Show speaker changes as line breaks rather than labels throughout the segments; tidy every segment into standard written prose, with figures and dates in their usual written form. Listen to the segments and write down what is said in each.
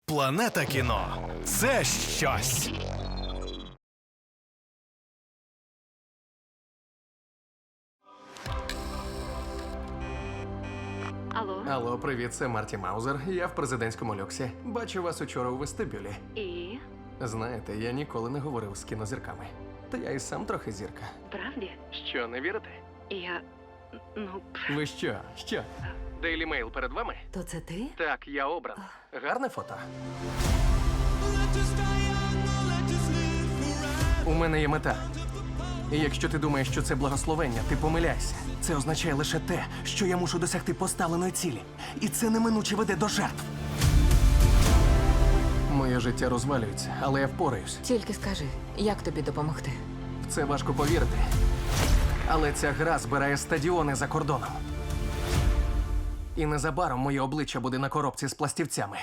Планета кіно – це щось.
Алло, привіт, це Марті Маузер. Я в президентському люксі. Бачу вас учора у вестибюлі.
І?
Знаєте, я ніколи не говорив з кінозірками. Та я і сам трохи зірка.
Правді?
Що, не вірите?
Я...
Ви що? Що? Daily Mail перед вами?
То це ти?
Так, я обран. Гарне фото? У мене є мета. І якщо ти думаєш, що це благословення, ти помиляйся. Це означає лише те, що я мушу досягти поставленої цілі. І це неминуче веде до жертв. Моє життя розвалюється, але я впораюсь.
Тільки скажи, як тобі допомогти?
В це важко повірити. Але ця гра збирає стадіони за кордоном. І незабаром моє обличчя буде на коробці з пластівцями.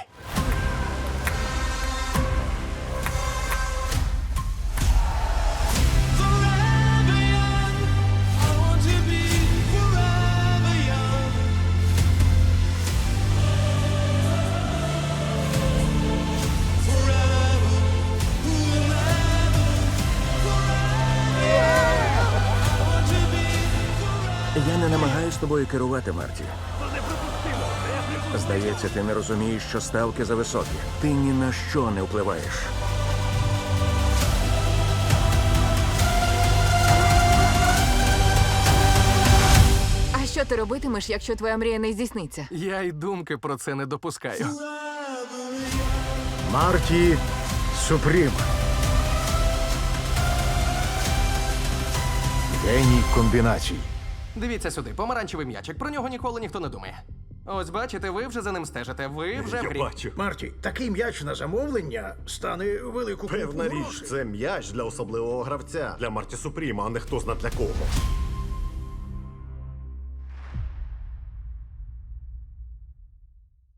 Я не намагаюсь тобою керувати, Марті. Здається, ти не розумієш, що ставки зависокі. Ти ні на що не впливаєш.
А що ти робитимеш, якщо твоя мрія не здійсниться?
Я й думки про це не допускаю.
Марті Супрім. Геній комбінацій.
Дивіться сюди, помаранчевий м'ячик. Про нього ніколи ніхто не думає. Ось бачите, ви вже за ним стежите. Ви вже в грі.
Марті, такий м'яч на замовлення стане велику
Певна
купу
річ,
грошей.
це м'яч для особливого гравця, для Марті Супріма, а не хто зна для кого.